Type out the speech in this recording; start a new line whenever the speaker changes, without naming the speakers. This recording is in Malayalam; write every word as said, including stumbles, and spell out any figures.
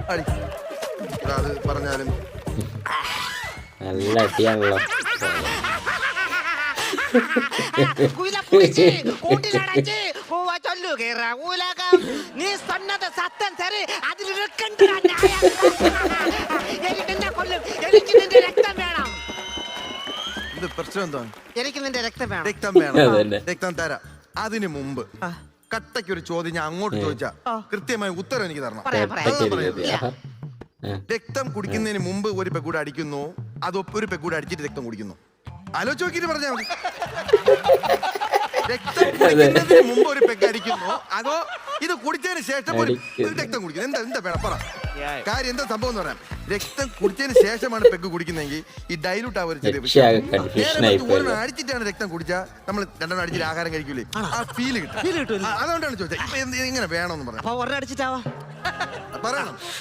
അടി. എടാ, അത് പറഞ്ഞാലും
നല്ല അടിയാണല്ലോ.
നീ சொன்னத சத்தம் சரி அதில் இருக்கின்ற நியாயம் എനിക്ക് നിന്നെ കൊല്ലും എനിക്ക് നിന്റെ രക്തം വേണം
ഇത് പ്രശ്നം എന്താണ്?
എനിക്ക് നിന്റെ രക്തം വേണം
രക്തം വേണം, രക്തം തരാം. അതിന് മുമ്പ് കട്ടയ്ക്ക് ഒരു ചോദ്യം ഞാൻ അങ്ങോട്ട് ചോദിച്ചാ കൃത്യമായ ഉത്തരം എനിക്ക് തരണം.
പറയാം പറയാം
രക്തം കുടിക്കുന്നതിന് മുമ്പ് ഒരു പെക്കൂടെ അടിക്കുന്നു, അതോ ഒരു പെക്കൂടെ അടിച്ചിട്ട് രക്തം കുടിക്കുന്നു? ആലോചിച്ച് നോക്കിയിട്ട് പറഞ്ഞാൽ മതി. രക്തം കുടിക്കുന്നതിന് മുമ്പ് ഒരു പെഗ് അടിക്കുന്നു, അതോ ഇത് കുടിച്ചതിന് ശേഷം ഒരു രക്തം കുടിക്കുന്നു? എന്താ എന്താ വേണം പറ. കാര്യം എന്താ സംഭവം എന്ന് പറയാം. രക്തം കുടിച്ചതിന് ശേഷമാണ് പെഗ് കുടിക്കുന്നെങ്കിൽ ഈ ഡൈലൂട്ട് ആ ഒരു ചെറിയ വിഷയം. അടിച്ചിട്ടാണ് രക്തം കുടിച്ചാൽ നമ്മൾ രണ്ടെണ്ണം അടിച്ചിട്ട് ആഹാരം കഴിക്കൂലേ, ആ ഫീല് കിട്ടും. അതുകൊണ്ടാണ് ചോദിച്ചത് ഇപ്പൊ ഇങ്ങനെ വേണമെന്ന് പറഞ്ഞു.
അപ്പൊ ഒരെണ്ണം അടിച്ചിട്ടാവാ
പറയണം.